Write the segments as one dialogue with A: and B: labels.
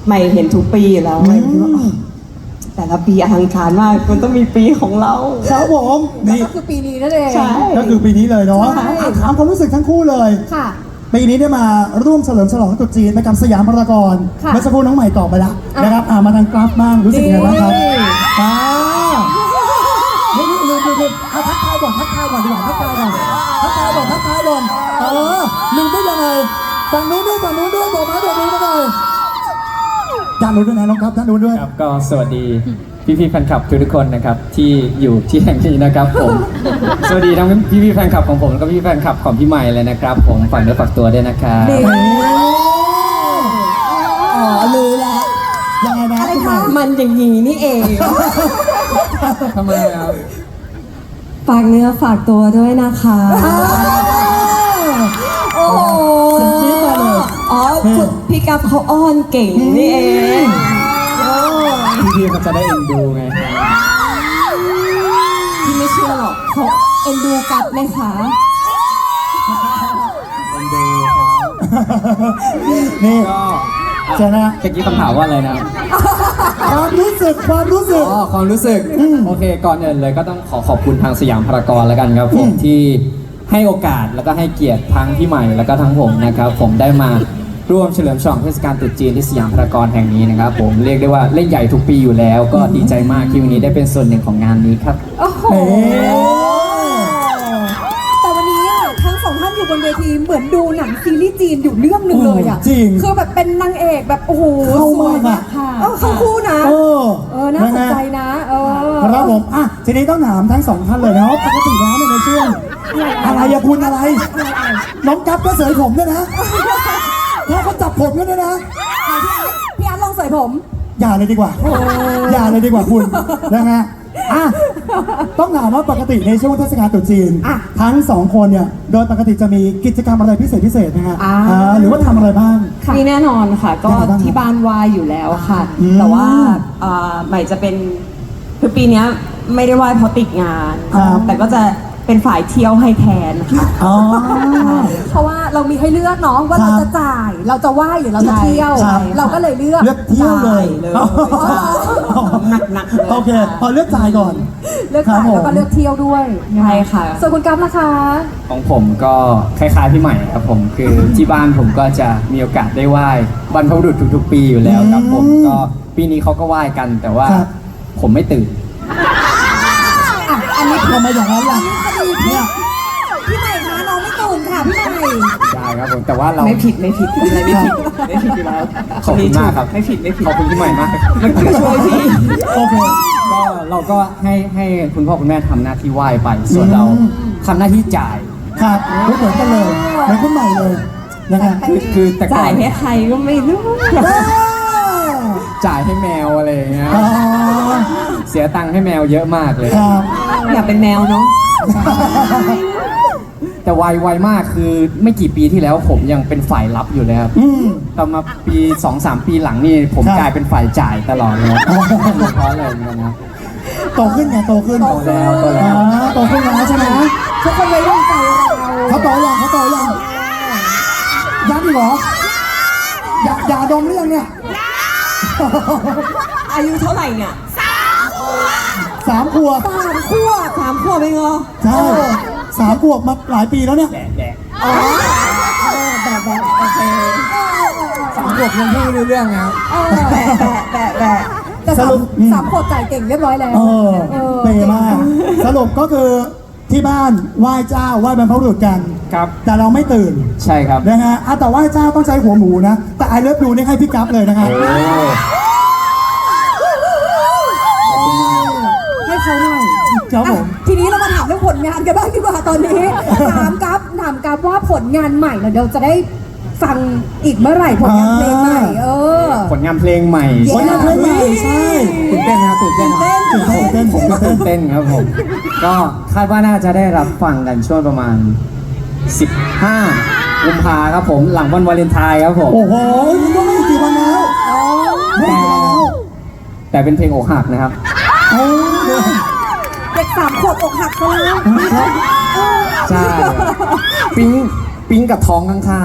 A: ใหม่เห็นทุกปีอยู่แล้วใหม่คิดว่าอ๋อแต่ละปีอลังการมากมันต้องมีปีของเรา
B: ครับผมนี่
C: ก็คือปีนี้นั่นเอง
A: ใช่
B: ก็คือปีนี้เลยเนาะ
C: ใช่
B: ถามความรู้สึกทั้งคู่เลย
C: ค่ะ
B: ปีนี้ได้มาร่วมเฉลิมฉลองตรุษจีนไปกับสยามพารากอน
C: ค่ะ
B: เมื่อสักครู่น้องใหม่ตอบไปแล้ว
C: อ่ะ
B: นะครับมาทางกราฟบ้างรู้สึกยังไงบ้างครับ
C: นี่
B: อ่าลืมเอาทักทายก่อนดีกว่าทักทายก่อนลืมได้ยังไงฝั่งนู้นด้วยบอกมาบอกนู้นมาหน่อยด้านนู้นด้วยนะน้องครับด้านนู้นด้วย
D: ครับก็สวัสดีพี่ๆแฟนคลับทุกๆคนนะครับที่อยู่ที่แห่งนี้นะครับผม สวัสดีทั้งพี่ๆแฟนคลับของผมแล้วก็พี่แฟนคลับของพี่ใหม่เลยนะครับผมฝากเนื้อฝากตัวด้วยนะครับ
C: นี่
B: อ๋อรู้แล้วยังไงนะ
C: อะไร
B: คุณให
C: คะ
B: ม่
A: มันอย่างนี้นี่เอง
D: ทำไมครับ
A: ฝากเนื้อฝากตัวด้วยนะคะ
C: โอ้โห
B: เสียงจี๊ดมาเลย
A: อ๋อคุณพี่กัฟเขาอ้อนเก่งนี่เอง
D: พี่ๆเขาจะได้เอ็นดูไง
A: พี่ไม่เชื่อหรอกเขาเอ็นดูกัฟไหมคะ
D: เอ็นดูครับ
B: นี่
D: ก็
B: เจอนะ
D: เมื่อกี้คำถามว่าอะไรนะ
B: ความรู้สึก
D: อ๋อความรู้สึกโอเคก่อนอื่นเลยก็ต้องขอบคุณทางสยามพารากอนแล้วกันครับผมที่ให้โอกาสแล้วก็ให้เกียรติทั้งพี่ใหม่แล้วก็ทั้งผมนะครับผมได้มาร่วมเฉลิมฉลองเทศกาลตรุษจีนที่สยามพารากอนแห่งนี้นะครับผมเรียกได้ว่าเล่นใหญ่ทุกปีอยู่แล้ว ก็ดีใจมากที่วันนี้ได้เป็นส่วนหนึ่งของงานนี้ครับ
C: โอ้โห
B: เอ๊ะ
C: แต่วันนี้อะทั้งสองท่านอยู่บนเวทีเหมือนดูหนังซีรีส์จีนอยู่เรื่องหนึ่งเลยอ่ะ
B: จริง
C: คือแบบเป็นนางเอกแบบโอ้โห
B: เข้า
C: สวย
B: มาก
C: มา
B: อะ
C: กค่ะเข้าคู่นะ
B: เออ
C: น่าสนใจนะ
B: ครับผมอ่ะทีนี้ต้องถามทั้งสองท่านเลยนะว่าปกติแล้วเนี่ยในช่วงอะไรอะคุณอะไร น้องกั๊บก็เสยผมด้วยนะถ้าเขาจับผมกันด้วยนะ
C: พี่อาร์ตลองใส่ผม
B: อย่าเลยดีกว่า อย่าเลยดีกว่าคุณนะฮะอ่ะต้องถามว่าปกติในช่วงเทศกาลตรุษจีน
C: อ่ะ
B: ทั้งสองคนเนี่ยโดยปกติจะมีกิจกรรมอะไรพิเศษนะฮะ
C: อ่า
B: หรือว่าทำอะไรบ้าง
A: มีแน่นอนค่ะ ก็
B: ยังไงบ้างครับ
A: ที่บ้านไหว้อยู่แล้วค่ะ
B: อืม
A: แต่ว่าใหม่จะเป็นคือปีเนี้ยไม่ได้ไหว้เพราะติดงาน
B: ครับ
A: แต่ก็จะเป็นฝ่ายเที่ยวให้แทนค่ะ
B: อ๋อ
C: เพราะว่าเรามีให้เลือกเนาะว่า
B: ครั
C: เรา
B: บ
C: จะจ่ายเราจะไหว้หรือเราจะ
A: ใช่
C: เที่ยว
B: ครับ
C: เราก็เลยเลือก
B: เลือกเที่ยวเลย
A: เลย
B: อ๋อ
A: หนักๆเลย
B: โอเคพอเลือกจ่ายก่อน
C: เลือกจ่าย
B: ครับผม
C: แล้วก็เลือกเที่ยวด้วย
A: ใช่ค่ะ
C: ส่วนคุณกั๊บล่ะคะ
D: ของผมก็คล้ายๆพี่ใหม่ครับผมคือที่บ้านผมก็จะมีโอกาสได้ไหว้บรรพบุรุษทุกๆปีอยู่แล้วครับผมก็ปีนี้เขาก็ไหว้กันแต่ว่า
B: ครับ
D: ผมไม่ตื่น
C: อ่ะอันนี้
B: ทำไมอย่างนั้นล่ะเนี่ย
C: พี่ใหม่คะน้องไม่ตื่นค่ะพี่ใหม่
D: ได้ครับผมแต่ว่าเรา
A: ไม่ผิดอะไรไม่ผิดอยู่แล้ว
D: ขอบคุณมากครับ
A: ไม่ผิด
D: ขอบคุณพี่ใหม่มาก
A: ช่วยพี่
B: โอเค
D: ก็เราก็ให้คุณพ่อคุณแม่ทำหน้าที่ไหว้ไป ส่วนเรา
B: อืม
D: ทำหน้าที่จ่าย
B: ครับเหมือนกันเลยเหมือนคุณใหม่เลยนะฮะ
D: คือแต่ก่
A: จ่า
D: อย น
A: ให้ใครก็ไม่รู้
D: จ่ายให้แมวอะไรอย่างเงี้ย
B: อ๋อ
D: เสียตังค์ให้แมวเยอะมากเลย
B: ครับ
A: อยากเป็นแมวเนาะ
D: แต่ไวมากคือไม่กี่ปีที่แล้วผมยังเป็นฝ่ายรับอยู่เลยครับ
B: อืม
D: ต่อมาปี 2-3 ปีหลังนี่ผม
B: ครับ
D: กลายเป็นฝ่ายจ่ายตลอดเลยเพราะอะไรเหมือนกันนะ
B: โตขึ้นไงโตขึ้น
D: โตแล้ว
B: โตขึ้นแล้วใช่ไหม
C: ทุกคนเลยต้องใจเรา
B: เขาโตยังยังอีกเหรออย่าดมหรือยังเนี่ย
A: อายุเท่าไหร่เนี่ย
B: 3 ขวบ
A: 3 ขวบเองเหรอ
B: ใช่3 ขวบมาหลายปีแล้วเนี่ย
D: แดก
A: อ๋อแบบโอเค
D: สามขวบยังพูดไม่รู้เรื่องนะครับ
A: แบะ
C: แต่
B: สรุป
C: สามขวบจ่ายเก่งเรียบร้อยแล้ว
B: เปย์มาก สรุปก็คือที่บ้านไหว้เจ้าไหว้บรรพบุรุษกัน
D: ครับ
B: แต่เราไม่ตื่น
D: ใช่ครับ
B: นะฮะแต่ไหว้เจ้าต้องใช้หัวหมูนะ แต่ไอเลิฟดูนี่ให้พี่กั๊บเลยนะฮะ
C: ให้เขาหน่อย
B: ครับผม
C: อ่ะทีนี้เรามาถามเรื่องผลงานกันบ้างดีกว่าตอนนี้ ถามกัฟว่าผลงานใหม่เราจะได้ฟังอีกเมื่อไหร่ผลงานเพลงใหม่
D: ผลงานเพลงใหม่
B: ผลงานเพลงใหม่ใช่
D: ตื่นเต้นนะครับตื่นเต้นนะครับ
B: ตื่นเต้น
D: ผมก็ตื่นเต้นครับผม ก็คาดว่าน่าจะได้รับฟังกันช่วงประมาณ 15 กุมภาครับผมหลังวันวาเลนไทน์ครับผม
B: โอ้โหมันก็ไม่กี่วันแล้วไม่กี่วันแล้ว
D: แต่เป็นเพลงอกหักนะครับ
B: โอ้
C: เด็ก3 ขวบอกหักซะแล้ว
D: ใช่ปิ๊งปิ๊งกับท้องข้าง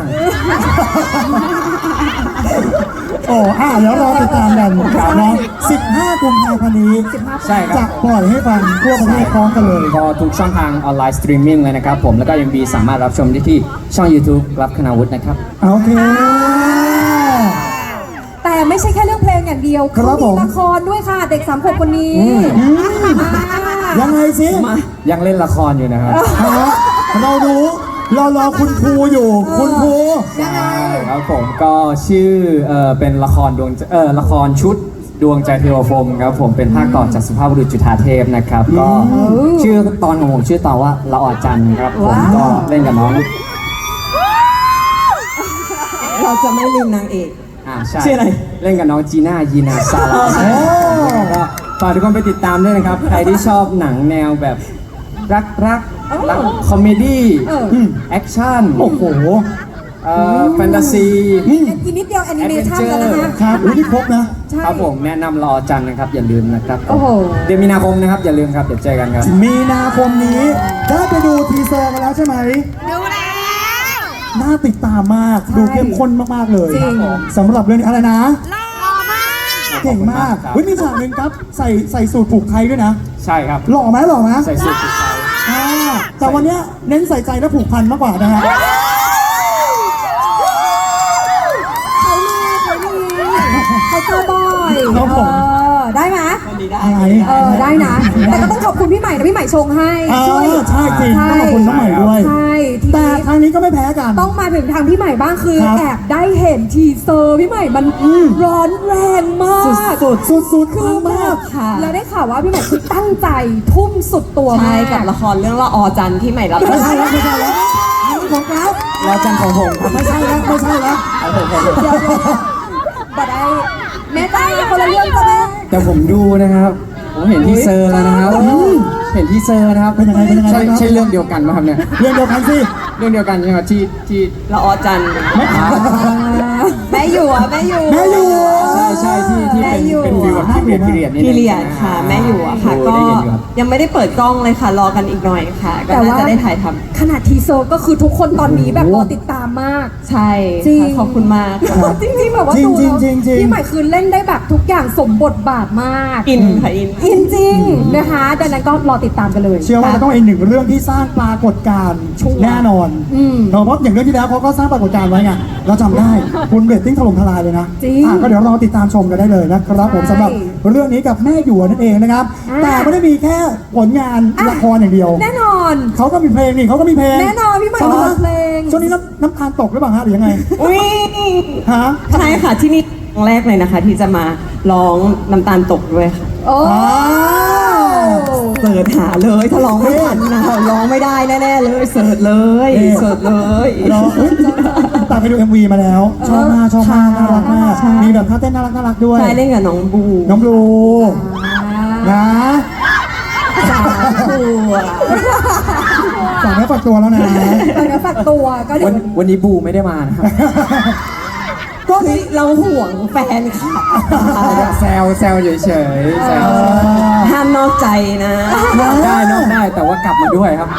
B: โอ้เดี๋ยวรอติดตามกันเนาะ15 กุมภาพันธ์นี้
D: ๆ ใช่ค
B: จะ
D: รับ
B: ปล่อยให้ฟังทั่วประเทศพร้อมกันเลย
D: ก็ทุกช่องทางออนไลน์สตรีมมิ่งเลยนะครับผมแล้วก็ยังมีสามารถรับชมได้ที่ช่อง YouTube กลับคณาวุฒินะครับ
B: โอเค
C: แต่ไม่ใช่แค่เรื่องเพลงอย่างเดียว
B: ครั
C: เขา
B: บผ
C: มี
B: ม
C: ละครด้วยค่ะ เด็กสามขวบคนนี้
B: ยังไงสิ
D: ยังเล่นละครอยู่นะครับ
B: เรารู้รอคุณครูอยู่ คุณครู
C: ยังไง
D: ครับผมก็ชื่อเป็นละครละครชุดดวงใจเทวพรหมครับผมเป็นภาคต่อจากสุภาพบุรุษจุฑาเทพนะครับก็ชื่อตอนของผมชื่อตอนว่าละออจันทร์ครับผมก็เล่นกับน้อง
A: เราจะไม่ลืมนางเอก
D: ใช่
A: ชื่ออะไร
D: เล่นกับน้องจีน่ายีนาซาลาก็ฝากทุกคนไปติดตามด้วยนะครับ ใครที่ชอบหนังแนวแบบรักคอมเมดี้แอคชั่น
B: โอ้โห
D: แฟนตาซี
C: อีกนิดเดียวแอนิเมชันแล้วนะคะ
B: ครับนี่ครบนะ
C: ใช่
D: ครับผมแนะนำรอจันทร์นะครับ อย่าลืมนะครับ
C: โอ้โห
D: เดือนมีนาคมนะครับ อย่าลืมครับ เดี๋ยวเจอกันครับ
B: มีนาคมนี้ได้ไปดูทีเซอร์กันแล้วใช่ไหม
C: ดูแล้ว
B: น่าติดตามมาก
C: ใช่
B: ดูเข้มข้นมาก ๆ เลย
C: จริง
B: สำหรับเรื่องนี้อะไรนะ
C: หล่อมาก
B: เก่งมาก
D: ครับ
B: เฮ้ยมีฉากหนึ่งครับ ใส่สูตรผูกไทยด้วยนะ
D: ใช่ครับ
B: หล่อไหม
D: ใส่สูทติดใจ
B: แต่วันเนี้ยเน้นใส่ใจและผูกพันมากกว่านะฮะ
C: เขาเจอบ่อย
B: ครับผม
C: ได้ไหม
B: อะไร
C: ได้นะ แต่ก็ต้องขอบคุณพี่ใหม่นะพี่ใหม่ชงให้ ช่วย
B: ใช่จริงต้องขอบคุณน้องใหม่ด้วย
C: ใช่ที
B: แต่
C: นี้
B: ครั้งนี้ก็ไม่แพ้กัน
C: ต้องมาถึงทางพี่ใหม่บ้างคือ
B: ครับ
C: แอบได้เห็นทีเซอร์พี่ใหม่มันร้อนแรงมาก
B: สุดๆ
C: คือ
B: มาก
A: ค่ะ
C: แล้วได้ข่าวว่าพี่ใหม่คือตั้งใจทุ่มสุดตัว
A: ใช่
C: มาก
A: กับละครเรื่องละออจันทร์ที่ใหม่รับ
B: ไม่ใช่แล้วไม่ใช่แล้วอันนี้ของครับ
D: รอจันทร์ของผมครับ
B: ไม่ใช่แล้วไม่ใช่แล้ว
C: เดี๋ยวบัดได้แม่ตายคนละเรื่องกันนะ
D: แต่ผมดูนะครับ ผมเห็นที่เซอร์แล้วนะครับ เห็นที่เซอร์นะครับ
B: เป็นยังไงเป็นยังไง
D: ใช่
B: ครับ
D: ใช่เรื่องเดียวกันไหมครับเนี่ย
B: เรื่องเดียวกันสิ
D: เรื่องเดียวกันใช่ไหมครับที่
A: ละออจันทร์แม่อยู่อะแม่อยู่
B: แม่อยู่
D: ใช่ที่
A: แม่
D: เป็น
A: อยู่
D: เป็นฟิวแบบที่เปลี่ยนนิด
A: พี
D: นึง
A: เรียดค่ะ แม่อยู่อะค่ะ ก็
D: ได้เห็นอยู่ครับ
A: ยังไม่ได้เปิดกล้องเลยค่ะ รอกันอีกหน่อยค่ะ ก็น่าจะได้ถ่ายทำ
C: ขนาดทีเซอร์ก็คือทุกคนตอนนี้แบบรอติดตามมาก
A: ใช่
C: จริง
A: ค่ะขอบคุณมากค่ะ
C: จริงๆแบบว่า
B: จริง
C: ดูแล้ว
B: จริงจริง
C: พี่ใหม่คือเล่นได้แบบทุกอย่างสมบทบาทมาก
A: อินค่ะอิน
C: อินจริงนะคะดังนั้นก็รอติดตามกันเลย
B: เชื่อว่าจะต้องเป็นหนึ่งเรื่องที่สร้างปรากฏการณ์แน่นอน
C: อืม
B: เพราะอย่างเรื่องที่แล้วเขาก็สร้างปรากฏการณ์ไว้ไงเราจำได้คุณเรตติ้งถล่มทลายเลยนะ
C: จริง
B: ก็เดี๋ยวรอติดตามชมกันได้เลยนะครับผม
C: ใช่
B: สำหรับเรื่องนี้กับแม่หยวนนั่นเองนะครับ
C: อ่า
B: แต่ไม่ได้มีแค่ผลงานละครอย่างเดียว
C: แน่นอน
B: เขาก็มีเพลงนี่เขาก็มีเพลง
C: แน่นอนพี่ใหม่
B: ใช่ไห
C: มีเพลง
B: ช่วงนี้น้ำตาลตกหรือเปล่าฮะหรือยังไง
A: อุ้ย
B: ฮะ
A: ใช่ค่ะที่นี่ครั้งแรกเลยนะคะ ที่จะมาร้องน้ำตาลตกด้วยค่ะ
C: โอ้
B: อ้าว
A: เสิร์ชหาเลยถ้าร้องไม่ทันนะร้องไม่ได้แน่ๆเลยเสิร์ชเลยเสิร์ชเลย
B: รออุ๊ยแต่ไปดู MV มาแล้ว ชอบมากน่ารักมาก
A: ใช่
B: มีแบบท่าเต้นน่ารักด้วย
A: ใช่เล่นกับน้องบู
B: น้องบลูนะ
A: สามขวบ
B: ฝากเนื้อฝากตัวแล้วนะ
C: ตอนนี้ฝากตัวก็เดี๋ยว
D: วันนี้บูไม่ได้มานะครับ
B: ก็
A: เฮ้ยเราห่วงแฟนค่ะ
D: แซวเฉยๆแซว
A: ห้ามนอกใจนะ
D: ได้นอกได้แต่ว่ากลับมาด้วยครับ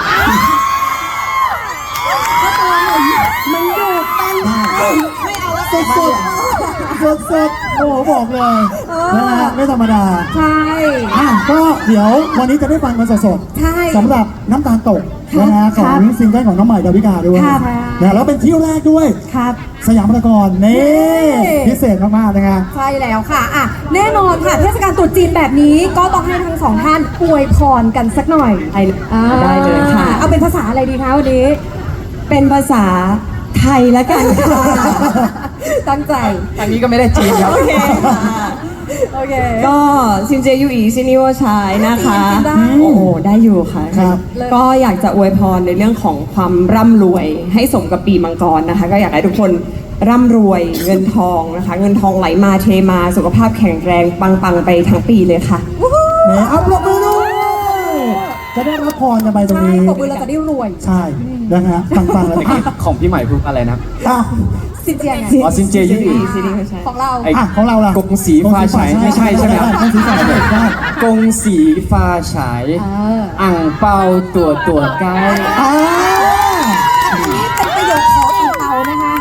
C: มันอยู่เป็น
B: สุดโอ้โหบอกเลยนะฮะไม่ธรรมดา
C: ใช่
B: ก็เดี๋ยววันนี้จะได้ฟังกันสด
C: ใช่
B: ๆสำหรับน้ำตาลตกนะฮะของซิงเกิลของน้องใหม่ดาวิกาด้วย
C: ครับ
B: นะแล้วเป็นที่แรกด้วย
C: ครับ
B: สยามพารากอนนี่
C: นี่
B: พิเศษมากๆนะฮะ
C: ใช่แล้วค่ะอ่ะ แน่นอนค่ะ เทศกาลตรุษจีนแบบนี้ก็ต้องให้ทั้งสองท่านอวยพรกันสักหน่อย
A: ได้เลยค่ะ
C: เอาเป็นภาษาอะไรดีคะวันนี้
A: เป็นภาษาไทยแล้วกันค่ะ
C: ตั้งใจ
D: ทางนี้ก็ไม่ได้จีนครับ
A: โอเคค่ะ
C: โอเค
A: ก็ซินเจยูอีซินิวชายนะคะ
C: จีนได้
A: โอ้โหได้อยู่ค่ะ
B: ครับ
A: ก็อยากจะอวยพรในเรื่องของความร่ำรวยให้สมกับปีมังกรนะคะ ก็อยากให้ทุกคนร่ำรวยเงินทองนะคะ เงินทองไหลมาเทมาสุขภาพแข็งแรงปังๆไปทั้งปีเลยค่ะ
B: เนี่ยอัพลงมือด้วยจะได้รับพรกันไปตรง
C: ใช่
B: นี้
C: ปรบมือเราจะได้รวย
B: ใช่นะฮะฟังๆเลย
D: เมื่อกี้ของพี่ใหม่พูดอะไรนะครับ
B: อ่ะ
C: สินเจียไง
D: อ๋อซินเจยูอี
A: ซินิวชาย
C: ของเรา
D: ไอ้
B: ของเราล่ะ
D: กงสีฟ้าฉายไม่ใช่ใช่ไหมครับ
B: กงสีฟ้าฉายได้
D: กงสีฟ้าฉาย
C: อ
D: อ่างเปาตัวไกด์
B: อ่า
C: อันนี้เป็นประโยคขอ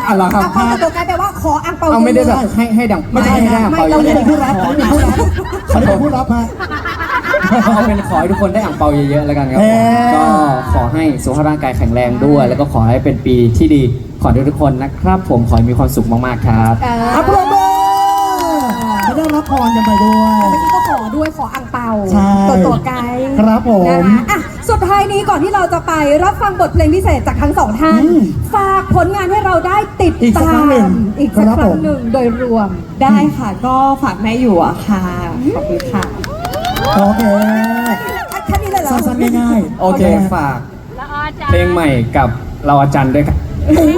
D: อ่ะเหรอครับ
C: อังเปาตัวไกลแปลว่าขออังเปา
D: เอาไม่ได้แบบ
C: เยอะ
D: ให้ดัง
B: ไม่ใช่
D: ให้ได้
B: นะ
D: อ่างเปา
B: เรา
D: เย
B: เป็น
D: อะ
B: ผู้รับอันนี้เป็นผู้รับอันนี้เป็นผู้รับฮะ
D: ๆเอาเป็นขอให้ทุกคนได้อ่างเปาเยอะๆแล้วกันครับผม
B: เอ๊ะ
D: ก็ขอให้สุขภาพร่างกายแข็งแรงด้วย แล้วก็ขอให้เป็นปีที่ดีขอให้ทุกคนนะครับ ผมขอให้มีความสุขมากๆครับ
B: อัปโรเบอร์จะได้รับพรกันไปด้วย
C: เมื่อกี้ก็ขอด้วยขออังเปา
B: ใช่
C: ตัวไกล
B: ครับผม
C: นะคะอ่ะสุดท้ายนี้ก่อนที่เราจะไปรับฟังบทเพลงพิเศษจากทั้งสองท่าน
B: อืม
C: ฝากผลงานให้เราได้ติด
B: อีกสัก
C: ตา
B: ครั้งหนึ่
C: ม
B: ง
C: อีกสัก
B: ครับ
C: ครั้
B: ผ
C: ง
B: ม
C: หนึ่งโดยรวม
A: ได้ค่ะ ก็ฝากแม่อยู่อะค่ะ ขอบคุณค่ะ
B: โอเค
C: แค่นี้เลยเหรอ
B: สั้นๆง่ายๆ
D: โอเคฝากเพลงใหม่กับเราอาจารย์ด้วยครับ
B: โอ้โห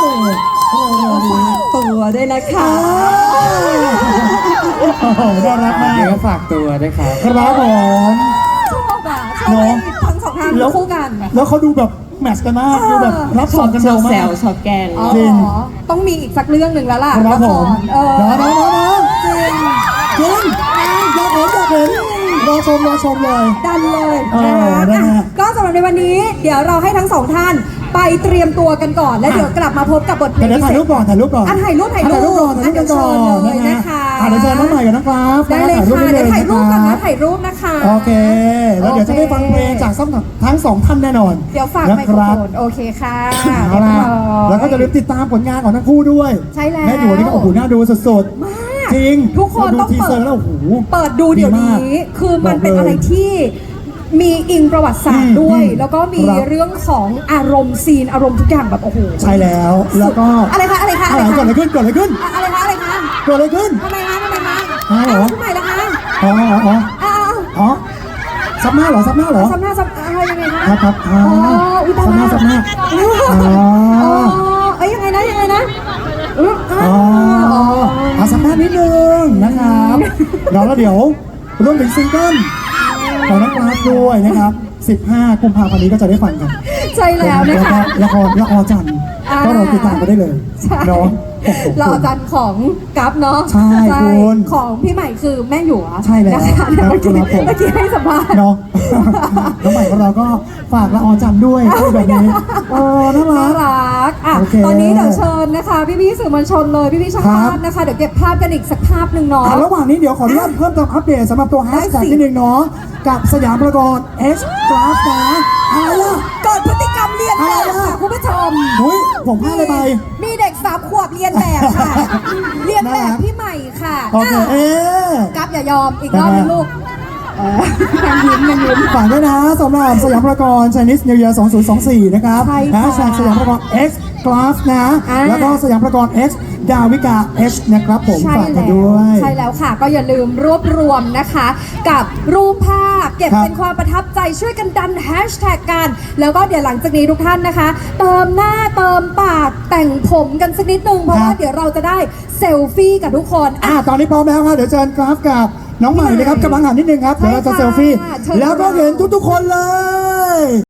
A: ตัวด้วยนะคะ
B: โอ้โหน่ารักมาก
D: เดี๋ยวก็ฝากตัวด้วยครับ
B: ครับผม
C: ชอบอ่ะชอบให้ทั้งสองท่านคู่กัน
B: แล้วเขาดูแบบแมทช์กันมากดูแบบรับ
A: ช
B: ส่
A: อง บ
B: กัน
A: ช
B: เร็
A: อบ
B: ว
A: แซ
B: มาก
A: วชอบแกล้ง
C: อ๋อ
B: จริง
C: ต้องมีอีกสักเรื่องหนึ่งแล้วล่ะ
B: ครับผม
C: ละคร
B: น้องจริงจริงอยากเห็นรอชมเลย
C: ดันเลย
B: เออ
C: นะ
B: นะฮะ
C: อ่ะก็สำหรับในวันนี้ เดี๋ยวเราให้ทั้งสองท่านไปเตรียมตัวกันก่อน แล้วเดี๋ยวกลับมาพบกับบทเพล
B: แต่
C: ง
B: เดี๋ยวถ่ายรูปก่อนถ่ายรูปก่อน
C: อ่ะถ่ายรูป
B: ถ่ายรูปก่อนถ่ายรูปกันก่อน
C: เดี๋ยวเชิญเลยนะคะ
B: เดี๋ยวเชิญน้องใหม่กับน้องกราฟ
C: ได้เลย
B: ถ่ายรูป
C: ค่ะ
B: ได้
C: เดี๋ยว
B: เลย
C: ถ่ายรูปก่อน
B: ค
C: นะ
B: รับ
C: ถ่ายรูปนะคะ
B: โอเค แล้วเดี๋ยวจะได้ฟังเพลงจากทั้งสองท่านแน่นอน
C: เดี๋ยวฝาก
B: นะ
C: ไม
B: ค
C: โคร
B: รับ
C: โฟนโอเคค่ะ
B: เอาล่ะ
C: เรียบร้อย
B: แล้วก็จะลืมติดตามผลงานของทั้งคู่ด้วย
C: ใช่แล้ว
B: แม่อยู่นี่ก็โอ้โหน่าดูสุด
C: มาก
B: ๆจริง
C: ทุกคน
B: เราดู
C: ต้อง
B: ทีเซอร์แล้วโอ้โห
C: เปิดดูเดี๋ยว
B: ดีมาก
C: นี้ คือมันเป็น
B: บอกเลย
C: อะไรที่มีอิงประวัติศาสตร์ด้วย
B: อืม
C: แล้วก็มี
B: ครับ
C: เรื่องของอารมณ์ซีนอารมณ์ทุกอย่างแบบโอ้โห
B: ใช่แล้วแล้วก็
C: อะไรคะอะไรคะ
B: อะไรเกิดอะไรขึ้นเกิดอะไรขึ้น
C: อะไรคะอะไรคะ
B: เกิดอะไรขึ้น
C: ทำไมคะทำไมคะ
B: อ้าวเหรอ
C: ทำไมล่ะคะ
B: อ๋ออ๋ออ๋อ
C: อ้าว
B: อ๋อซับหน้าเหรอซับหน้าเหรอ
C: ซ้ำหน้าซ้ำอะไรยังไงคะ
B: ครับครับอ๋อ
C: อุ้ยตาย
B: ซับหน้า
C: แล้ว
B: ซับหน้า อ๋อ
C: เอ้ยยังไงนะยังไงนะอ๋อ
B: อ๋อเอาซับหน้านิดนึงนะครับแล้วเดี๋ยวรวมถึงซิงเกิลของนักร้องด้วยนะครับ 15 กุมภาพันธ์นี้ก็จะได้ฟังกัน
C: ใช่แล้วนะคะ
B: ละครจันทร์
C: อ่า
B: ก็เราติดตามกันได้เลย
C: ใช่
B: เนาะโอ้โห
C: เราอาจารย์ของกัฟเนาะ
B: ใช่คุณ
C: ของพี่ใหม่คือแม่หยว
B: ใช่แล้ว
C: นะคะ
B: ครับ
C: เมื่อกี้
B: ครับผม
C: เมื่อกี้ให้สัมภาษณ์
B: เนาะ น้องใหม่ของเราก็ฝากละออจันทร์ด้วยพูดแบบนี้น่ารั
C: น่าก รักอ่ะ
B: โอเค
C: ตอนนี้เดี๋ยวเชิญนะคะ พี่ๆสื่อมวลชนเลยพี่ๆช่าง
B: ครั
C: ภา
B: บ
C: พนะคะ เดี๋ยวเก็บภาพกันอีกสักภาพหนึ่งเนาะ
B: ระหว่างนี้เดี๋ยวขออนุญาตเพิ่มเติมอัปเดตสำหรับตัวแฮชแท็ก
C: ได้สิ
B: นิดนึงเนาะกับสยามพารากอน X Class นะอะไรล่ะ
C: เกิดพฤติกรรมเรียนแบบ
B: อะไร
C: ค่ะ
B: อ่ะ
C: คุณผู้ชม
B: อุ้ยผมพลาดเลยไป
C: มีเด็ก3 ขวบเรียนแบบค่ะ เรียนแบบพี่ใหม่ค่ะ
B: โอเค
C: อ่ะ
B: เอ๊ะ
C: กัฟอย่ายอมอีกรอบนึงลูกยังยิ้ม
B: ฝากด้วยนะสำหรับสยามพารากอน Chinese New Year 2024 นะครับ
C: ใช่
B: แฮ
C: ค่ะ
B: ชแท็กสยามพารากอน X Class นะ
C: อ่า
B: แล้วก็สยามพารากอน X ดาวิกา H นะครับผม
C: ใช่
B: ฝากกัน
C: แล้ว
B: ด้วย
C: ใช่แล้วค่ะ ก็อย่าลืมรวบรวมนะคะ กับรูปภาพเก็บ
B: ครับ
C: เป็นความประทับใจช่วยกันดันแฮชแท็กกัน แล้วก็เดี๋ยวหลังจากนี้ทุกท่านนะคะ เติมหน้าเติมปากแต่งผมกันสักนิดนึง เพราะว่าเดี๋ยวเราจะได้เซลฟี่กับทุกคนอ่ะ
B: ตอนนี้พร้อมแล้วครับเดี๋ยวเชิญกราฟกับน้องใหม่นะครับกำลังหันนิดนึงครับ เดี๋ยวเราจะเซลฟี่
C: ใช่ค่ะเชิญ
B: แล้วก็เห็นทุกๆคนเลย